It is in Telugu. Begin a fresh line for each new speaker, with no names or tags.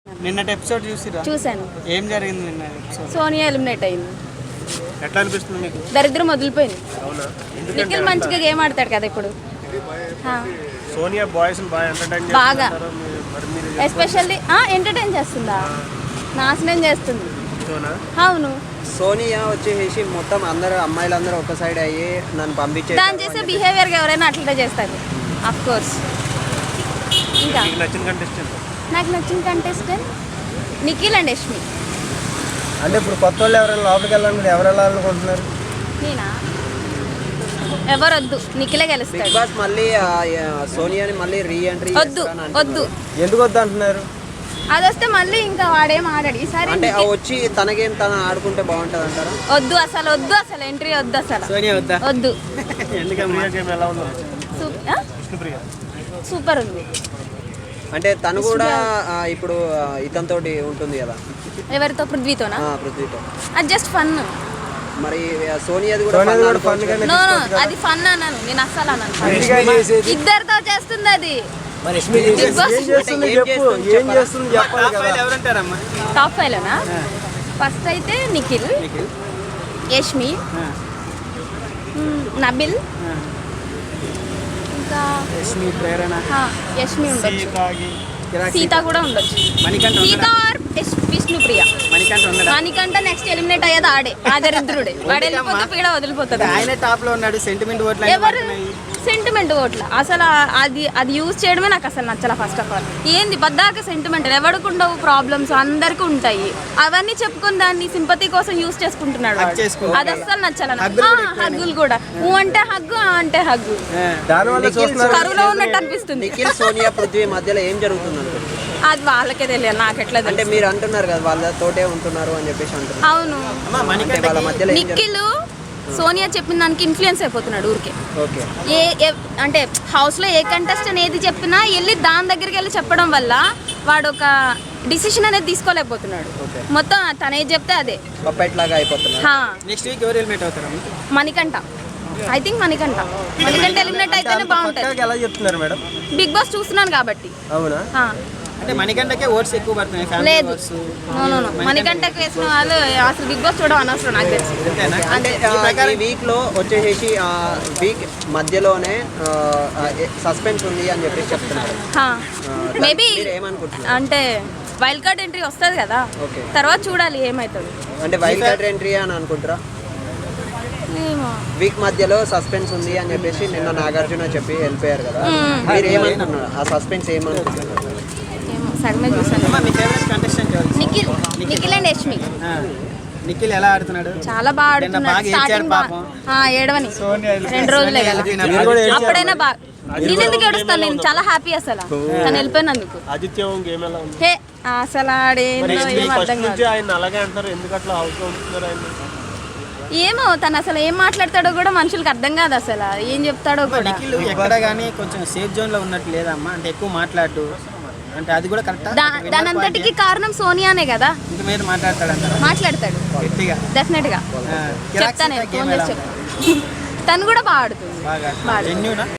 నిన్నటి ఎపిసోడ్ చూసిరా?
చూశాను.
ఏం జరిగింది నిన్న ఎపిసోడ్?
సోనియా ఎలిమినేట్ అయింది.
ఎట్లా అనిపిస్తుంది మీకు?
దరిద్రం వదిలిపోయింది.
అవునా?
నిఖిల్ మంచిగా గేమ్ ఆడతాడు కదా ఇప్పుడు.
సోనియా బాయ్స్ బాగా ఎంటర్టైన్
బాగా ఎస్పెషల్లీ ఎంటర్టైన్ చేస్తుందా? నాశనం చేస్తుంది. అవును.
సోనియా వచ్చేసి మొత్తం అందరూ అమ్మాయిలందరూ ఒక సైడ్ అయ్యి నన్ను పంపించే
దాని చేసే బిహేవియర్ ఎవరైనా అట్లా చేస్తారు ఆఫ్ కోర్స్. ఇంకా నాకు నచ్చిన కంటెస్టెంట్ నిఖిల్ అండ్ యష్మి.
అంటే ఇప్పుడు కొత్త వాళ్ళు ఎవరైనా లోపలికి వెళ్ళాలని ఎవరు వెళ్ళాలనుకుంటున్నారు?
నేనా? ఎవరొద్దు, నిఖిలే గెలుస్తాడు.
బిగ్ బాస్ మళ్ళీ సోనియాని మళ్ళీ రీ ఎంట్రీ
వద్దు వద్దు.
ఎందుకు వద్దు అంటున్నారు?
అది వస్తే మళ్ళీ ఇంకా వాడేం ఆడాడు ఈసారి.
అంటే వచ్చి తన గేమ్ తను ఆడుకుంటే బాగుంటుంది అంటారా?
వద్దు అసలు, వద్దు అసలు, ఎంట్రీ వద్దు అసలు, వద్దు. సూపర్ ఉంది.
అంటే తను కూడా ఇప్పుడు ఇతనితోటి ఉంటుంది కదా.
ఎవరితో? పృథ్వీతోనా?
పృథ్వీతో.
అది జస్ట్ ఫన్.
మరి సోనియాది కూడా ఫన్.
నో అది ఫన్ అన్నాను నేను, అస్సలు అన్నాను. ఇద్దరితో చేస్తుంది అది. టాప్ 5 లోనా? ఫస్ట్ అయితే నిఖిల్, యష్మి, నబిల్, ఇంకా యష్మి ఉండొచ్చు, సీత కూడా ఉండొచ్చు. Sita or Vishnupriya. Manikanta next eliminate అయ్యేది ఆడే, ఆ దరిద్రుడే. వాడు వెళ్ళిపోతే పీడ వదిలిపోతుంది.
ఆయన టాప్ లో ఉన్నాడు. సెంటిమెంట్ ఓట్లు
ఎవరు? సెంటిమెంట్ ఓట్ల అసలు అది యూజ్ చేయడమే నాకు అసలు నచ్చల. ఫస్ట్ ఆఫ్ ఆల్ ఏంది బద్దాక సెంటిమెంట్? ఎవరికి ఉండవు ప్రాబ్లమ్స్, అందరికీ ఉంటాయి. అవన్నీ చెప్పుకొని దాన్ని సింపతి కోసం యూజ్ చేసుకుంటున్నాడు. అది అస్సలు నచ్చాల. హగ్గులు కూడా, ఊ అంటే హగ్గు, ఆ అంటే హగ్గు. కరువులో ఉన్నట్టు అనిపిస్తుంది.
నిఖిల్, సోనియా, పృథ్వీ మధ్యలో ఏం జరుగుతుంది?
అది వాళ్ళకే తెలియదు, నాకు ఎట్లా
అంటే మీరు అంటున్నారు కదా వాళ్ళతోటే ఉంటున్నారు అని చెప్పేసి అంటున్నారు.
అవును. నిఖిల్ సోనియా చెప్పిన దానికి ఇన్ఫ్లుయెన్స్ అయిపోతున్నాడు ఊరికే. అంటే హౌస్లో ఏ కంటెస్టెంట్ ఏది చెప్పినా వెళ్ళి దాని దగ్గరికి వెళ్ళి చెప్పడం వల్ల వాడు ఒక డిసిషన్ అనేది తీసుకోలేకపోతున్నాడు. మొత్తం తను ఏది చెప్తే అదే
నెక్స్ట్ వీక్ ఎవరు ఎలిమినేట్ అవుతారు?
Manikanta. I think Manikanta eliminate అయితేనే బాగుంటుంది.
ఎలా చెప్తున్నారు మేడం?
బిగ్ బాస్ చూస్తున్నాను కాబట్టి.
అవునా?
అంటే మణికంఠకే ఓట్స్ ఎక్కువ పడుతున్నాయి.
లేదు, మణికంఠకి వేసిన వాళ్ళు అసలు బిగ్ బాస్ చూడడం అనవసరం నాకు తెలిసి.
అంటే ఈ వీక్ లో వచ్చేసి వీక్ మధ్యలోనే సస్పెన్స్ ఉంది అని చెప్పేసి చెప్తున్నారు.
మేబీ అంటే వైల్డ్ కార్డ్ ఎంట్రీ వస్తుంది కదా, తర్వాత చూడాలి ఏమవుతుంది.
అంటే వైల్డ్ కార్డ్ ఎంట్రీ అని అనుకుంటారా? వీక్ మధ్యలో సస్పెన్స్ ఉంది అని చెప్పేసి నిన్న నాగార్జున చెప్పి వెళ్ళిపోయారు కదా, మీరు ఏమనుకుంటున్నారు? ఆ సస్పెన్స్ ఏమనుకుంటున్నారు?
సగమే చూసాను. నిఖిల్ అండ్ యష్మి.
నిఖిల్ ఎలా ఆడుతున్నాడు?
చాలా బాగా ఆడుతున్నాడు. స్టార్టింగ్ ఏడవని 2 రోజులే కదా, అప్పుడైనా బాగా. నేను ఎందుకు ఏడుస్తాను? నేను చాలా హ్యాపీ అసలు తను వెళ్ళిపోయినందుకు. హే అసలు ఆడేందో ఏం అర్థం కాదు. ఏమో తను అసలు ఏం మాట్లాడతాడో కూడా మనుషులకు అర్థం కాదు, అసలు ఏం చెప్తాడో కూడా.
ఎక్కడ కానీ కొంచెం సేఫ్ జోన్ లో ఉన్నట్టు లేదమ్మా. అంటే ఎక్కువ మాట్లాడు అంటే అది కూడా కరెక్ట్.
దాని అంతటికి కారణం సోనియానే కదా.
ఇంత మీద మాట్లాడతాడు
డెఫినెట్ గా. చెప్తాను, ఫోన్ చేసి చెప్తాను. తను కూడా బాగా ఆడుతుంది.